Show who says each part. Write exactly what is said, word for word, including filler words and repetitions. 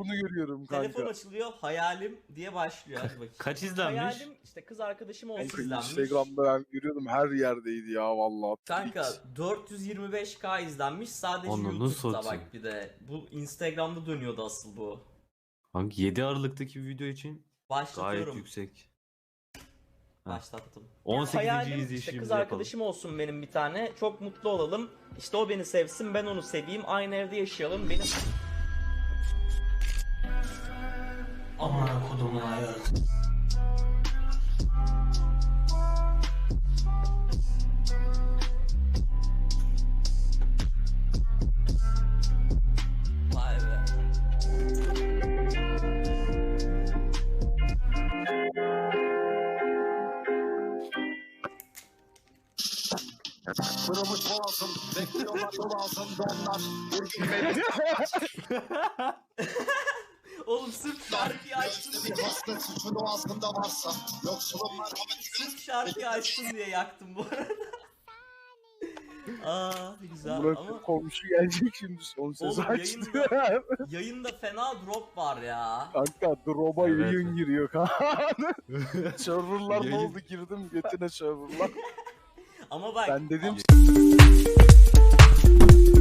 Speaker 1: bunu görüyorum kanka.
Speaker 2: Telefon açılıyor, hayalim diye başlıyor. Hadi bakayım.
Speaker 3: Kaç izlenmiş?
Speaker 2: Hayalim işte kız arkadaşım olsun
Speaker 1: Kanka
Speaker 2: izlenmiş.
Speaker 1: Instagram'da ben görüyordum, her yerdeydi ya vallahi.
Speaker 2: Kanka dört yüz yirmi beş K izlenmiş sadece
Speaker 3: Ananı
Speaker 2: YouTube'da
Speaker 3: satayım.
Speaker 2: bak bir de. Bu Instagram'da dönüyordu asıl bu.
Speaker 3: Hangi yedi Aralık'taki bir video için gayet
Speaker 2: Başlatıyorum.
Speaker 3: yüksek.
Speaker 2: Başlattım.
Speaker 3: on sekizinci
Speaker 2: Hayalim işte
Speaker 3: izleyişimizi
Speaker 2: kız
Speaker 3: yapalım.
Speaker 2: arkadaşım olsun benim bir tane. Çok mutlu olalım. İşte o beni sevsin, ben onu seveyim. Aynı evde yaşayalım. Benim... Aman kodumun ayağı. Vay be.
Speaker 4: Kırılmış boğazım, bekliyorlar yol altında onlar. Vurgun beni.
Speaker 2: Oğlum sırf şarkıyı açtın diye.
Speaker 4: Bir hasta suçun ağzında varsa, yoksulun merhameti.
Speaker 2: Sırf şarkıyı açtın diye yaktım bu arada. Aa güzel
Speaker 1: Burak
Speaker 2: ama
Speaker 1: komşu gelecek şimdi, son ses
Speaker 2: Oğlum,
Speaker 1: açtı.
Speaker 2: yayında fena drop var ya.
Speaker 1: Kanka drop'a
Speaker 3: Evet.
Speaker 1: yayın giriyor kanka. Serverlar ne
Speaker 3: Yayın-
Speaker 1: oldu, girdim götüne serverlar.
Speaker 2: Ama bak
Speaker 1: Ben dedim